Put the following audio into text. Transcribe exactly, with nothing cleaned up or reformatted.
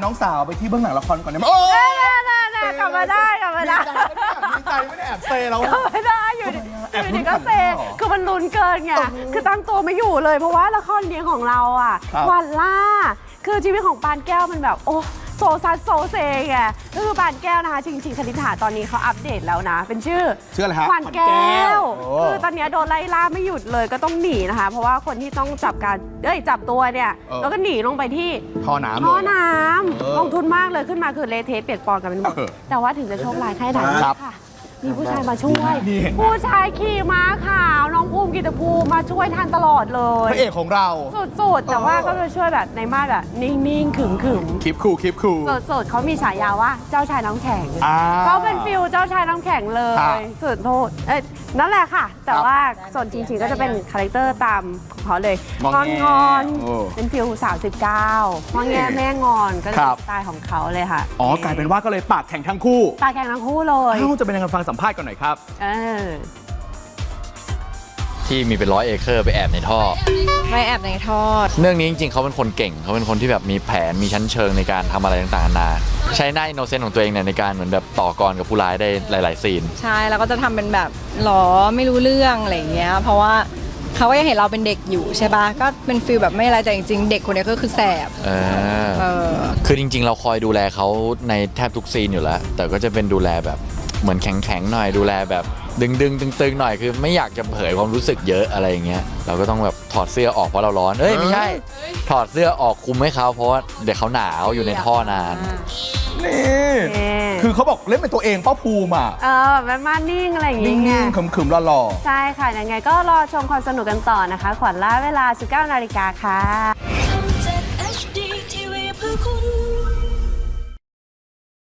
น้องสาวไปที่เบื้องหลังละครก่อนได้ไหมโอ้ยกลับมาได้กลับมาได้ดีใจไม่ได้แอบเซแล้วกลับมาได้อยู่อยู่ดีก็เซคือมันลุ้นเกินไงคือตั้งตัวไม่อยู่เลยเพราะว่าละครเลี้ยงของเราอ่ะวันล่าคือชีวิตของปานแก้วมันแบบโอ้โซซัสโซเซไงก็คือปานแก้วนะคะจริงๆคณิษฐาตอนนี้เขาอัปเดตแล้วนะเป็นชื่อชื่ออะไรฮะขวัญแก้วคือตอนนี้โดนไล่ล่าไม่หยุดเลยก็ต้องหนีนะคะเพราะว่าคนที่ต้องจับการเอ้ยจับตัวเนี่ยแล้วก็หนีลงไปที่ท่อน้ำท่อน้ำลงทุนมากเลยขึ้นมาคือเละเทะเปียกปอนกันเป็นหมดแต่ว่าถึงจะโชคร้ายแค่ไหนค่ะมีผู้ชายมาช่วยผู้ชายขี่ม้าขาวน้องภูมิกิตภูมิมาช่วยทันตลอดเลยพระเอกของเราสุดๆแต่ว่าก็จะช่วยแบบในมาแบบนิ่งๆขึมๆคลิปคูคลิปคูสุดๆเขามีฉายาว่าเจ้าชายน้ำแข็งเขาเป็นฟิลเจ้าชายน้ำแข็งเลยสุดโทษเอ้ยนั่นแหละค่ะแต่ว่าส่วนจริงๆก็จะเป็นคาแรคเตอร์ตามของเขาเลยงอนงอนเป็นฟิลสาวสิบเก้างอแงแม่งอนก็เป็นสไตล์ของเขาเลยค่ะอ๋อกลายเป็นว่าก็เลยปากแข็งทั้งคู่ปากแข็งทั้งคู่เลยเขาจะเป็นยังไงฟังสัมภาษณ์กันหน่อยครับที่มีเป็นร้อยเอเคอร์ไปแอบในท่อไปแอบในท่อเรื่องนี้จริงๆเขาเป็นคนเก่งเขาเป็นคนที่แบบมีแผนมีชั้นเชิงในการทำอะไรต่างๆนานาใช้หน้าอินโนเซนต์ของตัวเองเนี่ยในการเหมือนแบบต่อกรกับผู้ร้ายได้หลายๆซีนใช่แล้วก็จะทำเป็นแบบหรอไม่รู้เรื่องอะไรอย่างเงี้ยเพราะว่าเขาก็ยังเห็นเราเป็นเด็กอยู่ใช่ปะก็เป็นฟีลแบบไม่อะไรแต่จริงๆเด็กคนนี้ก็คือแสบเออเออคือจริงๆเราคอยดูแลเขาในแทบทุกซีนอยู่แล้วแต่ก็จะเป็นดูแลแบบเหมือนแข็งๆหน่อยดูแลแบบดึงดึงตึงๆหน่อยคือไม่อยากจะเผยความรู้สึกเยอะอะไรอย่างเงี้ยเราก็ต้องแบบถอดเสื้อออกเพราะเราร้อนเอ้ยไม่ใช่ถอดเสื้อออกคุมให้เขาเพราะว่าเดี๋ยวเขาหนาวอยู่ในท่อนานนี่คือเขาบอกเล่นเป็นตัวเองป้าภูมิอ่ะเออแบบมานิ่งอะไรอย่างเงี้ยนิ่งๆขึมๆหล่อๆใช่ค่ะยังไงก็รอชมความสนุกกันต่อนะคะขวัญล่าเวลา สิบเก้านาฬิกาค่ะ